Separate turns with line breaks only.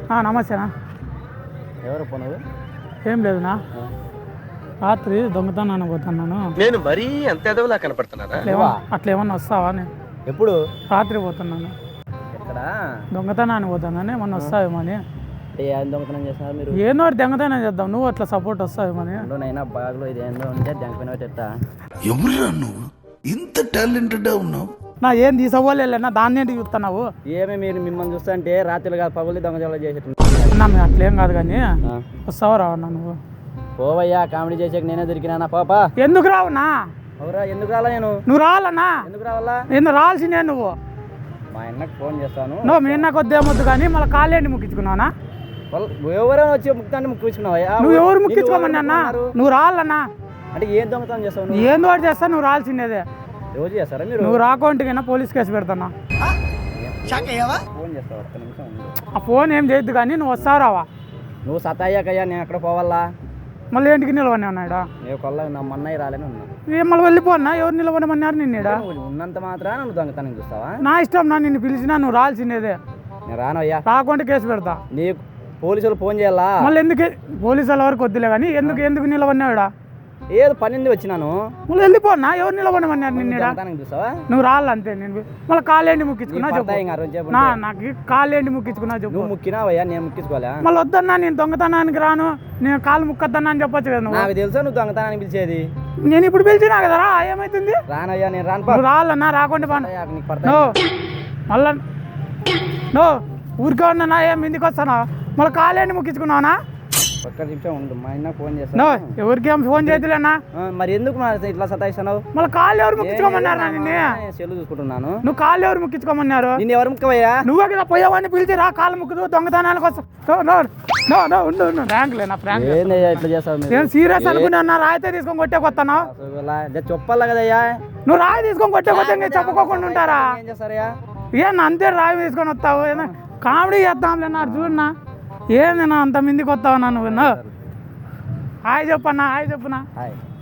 నమస్తేనా.
ఎవరు పోనరు?
ఏం లేదునా, రాత్రి దొంగతనాన్ని పోతున్నాను.
నేను మరీ అంత ఎదవలా కనపడుతున్నారా?
అట్లా ఏమన్నా వస్తావా?
ఎప్పుడు?
రాత్రి పోతున్నాను.
ఎక్కడ?
దొంగతనాన్ని పోతున్నాను, ఏమన్నా వస్తావేమో అని.
ఏం దొంగతనం చేస్తున్నారు మీరు?
ఏందో దొంగతనం చేద్దాం, నువ్వు అట్లా సపోర్ట్ వస్తావేమో అని.
నైనా బాగా ఇది ఏందో ఉంటే దొంగపోయిన
ఎవరురా నువ్వు ఇంత టాలెంటెడ్ ఉన్నావు?
నా ఏం తీసుకోలేనా, దాన్ని ఏంటి చూస్తున్నావు?
ఏమి మీరు మిమ్మల్ని చూస్తుంటే రాత్రులు కాదు పగులు దొంగతనాలు చేసేట్టు.
మేము అట్లేం కాదు కానీ వస్తావా రావన్నా నువ్వు?
పోవయ్యా, కామెడీ చేసాక నేనే దొరికినా పాపా.
ఎందుకు రావునా?
అవురా, ఎందుకు రాలా?
నువ్వు రావాలన్నా?
ఎందుకు రావాలా?
ఎందుకు రావాల్సిందే నువ్వు?
మా అన్నకు ఫోన్ చేస్తాను.
నువ్వు మీ అన్నకు వద్దేమొద్దు కానీ మళ్ళీ కాళ్ళేంటి ముక్కించుకున్నావునా?
ఎవరైనా వచ్చి ముక్తాన్ని ముక్కించుకున్నావా?
నువ్వు ఎవరు ముక్కించుకోమని అన్న? నువ్వు రావాలన్నా?
అంటే ఏం దొంగతనం చేస్తావు?
ఏందో ఒకటి చేస్తా, నువ్వు రావాల్సిందేదే.
రోజు చేస్తారా మీరు?
నువ్వు రాకుంటే పోలీస్ కేసు పెడతానా?
ఫోన్ చేస్తావు, ఒక్క నిమిషం ఉండు.
ఆ ఫోన్ ఏం చేయొద్దు కానీ నువ్వు వస్తావు రావా?
నువ్వు సతాయ్యాకయ్యా, నేను ఎక్కడ పోవాలా?
మళ్ళీ ఇంటికి నిలవని ఉన్నాడా?
నేను కొల్ల నా మొన్నయ్య రాలేని ఉన్నా.
ఏం మళ్ళీ వెళ్ళిపోన్నా? ఎవరు నిలవనమన్నారు నిన్నేడా?
ఉన్నంత మాత్రాన నువ్వు దొంగతనం చూస్తావా?
నా ఇష్టం, నా నిన్ను పిలిచినా నువ్వు రావాల్సిందేదే.
నేను రానయ్యా.
రాకుంటే కేసు పెడతా.
నీ పోలీసులు ఫోన్ చేయాలా?
మళ్ళీ ఎందుకు పోలీసు వాళ్ళ వరకు వద్దులే కానీ ఎందుకు నిలవన్నాడా?
ఏదో పనింది వచ్చినాను.
మళ్ళీ వెళ్ళిపోన్నా? ఎవరు నిలవనమన్నారు నిన్నేడా?
చూస్తావా?
నువ్వు రాళ్ళంతే. నేను మళ్ళీ కాళ్ళేంటి ముక్కించుకున్నా చెప్పు. నాకు కాళ్ళేంటి ముక్కించుకున్నా చెప్పు.
నువ్వు ముక్కినావయ్యా, నేను ముక్కించుకోవాలా?
మళ్ళీ వద్దన్నా, నేను దొంగతనానికి రాను, నేను కాళ్ళు ముక్కద్దన్నా అని చెప్పొచ్చు కదా నువ్వు.
నాకు తెలుసా నువ్వు దొంగతనానికి పిలిచేది.
నేను ఇప్పుడు పిలిచినా కదరా, ఏమైతుంది?
రానయ్యా, నేను రాను.
నువ్వు రాళ్ళన్నా, రాకుండా మళ్ళా ఊరికే ఉన్నా, ఏం ఇంటికి వస్తానా? మళ్ళీ కాళ్ళేంటి ముక్కించుకున్నావునా?
ఒక్క నిమిషం ఉండు, మా ఆయన ఫోన్ చేస్తాను.
ఎవరికి ఏం ఫోన్ చేయలేనా?
మరి ఎందుకు ఇట్లా సతాయిస్తున్నావు?
మళ్ళీ కాళ్ళు ఎవరు ముక్కించుకోమన్నారు? నిన్ను
సెల్లు చూసుకుంటున్నాను.
నువ్వు కాళ్ళు ఎవరు ముక్కించుకోమన్నారు?
నిన్ను ఎవరు ముక్కవయ్యా?
నువ్వే కదా పోయావని పిలిచి రా కాళ్ళు ముక్కుదు దొంగతనానికి వస్తా.
ఇట్లా చేస్తావు?
నేను సీరియస్ అనుకున్నా. రాయితే తీసుకొని కొట్టే కొత్తాను.
చెప్పాలా కదయ్యా?
నువ్వు రాయి తీసుకొని కొట్టే కొత్త చెప్పుకోకుండా ఉంటారా?
ఏం చేస్తారయ్యా?
అంతే రాయి తీసుకొని వస్తావు? కామెడీ చేద్దాంలే నా, చూడన్నా ఏంది నా అంత మందికి వస్తావు? నువ్వు హాయ్ చెప్పన్నా, హాయ్ చెప్పునా.
హాయ్.